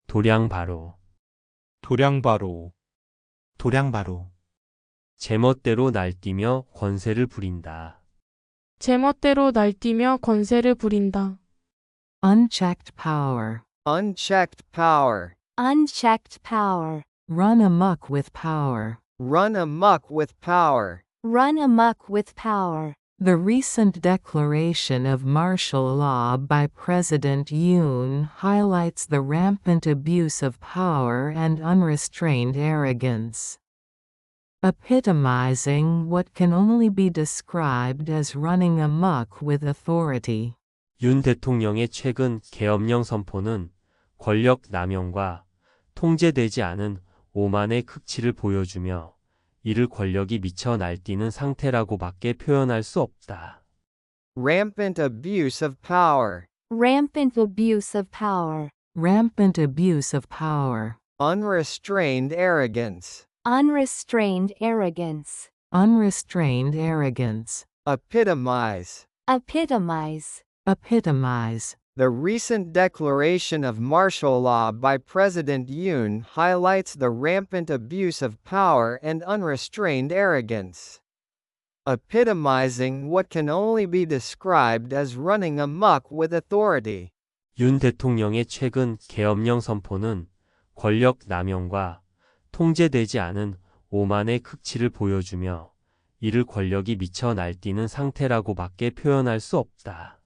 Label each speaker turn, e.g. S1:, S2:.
S1: 도량바로,
S2: 도량바로,
S3: 도량바로,
S1: 제멋대로 날뛰며 권세를 부린다.
S4: 제멋대로 날뛰며 권세를 부린다.
S5: Unchecked power.
S6: Unchecked power.
S7: Unchecked power.
S5: Run amok with power.
S6: Run amok with power.
S7: Run amok with power.
S5: The recent declaration of martial law by President Yoon highlights the rampant abuse of power and unrestrained arrogance, epitomizing what can only be described as running amok with authority.
S1: 윤 대통령의 최근 계엄령 선포는 권력 남용과 통제되지 않은 오만의 극치를 보여주며 이를 권력이 미쳐 날뛰는 상태라고밖에 표현할 수 없다.
S6: Rampant abuse of power.
S7: Rampant abuse of power.
S5: Rampant abuse of power.
S6: Unrestrained arrogance.
S7: Unrestrained arrogance.
S5: Unrestrained arrogance.
S6: Epitomize.
S7: Epitomize.
S5: Epitomize.
S6: The recent declaration of martial law by President Yoon highlights the rampant abuse of power and unrestrained arrogance, epitomizing what can only be described as running amok with authority.
S1: 윤 대통령의 최근 계엄령 선포는 권력 남용과 통제되지 않은 오만의 극치를 보여주며 이를 권력이 미쳐 날뛰는 상태라고밖에 표현할 수 없다.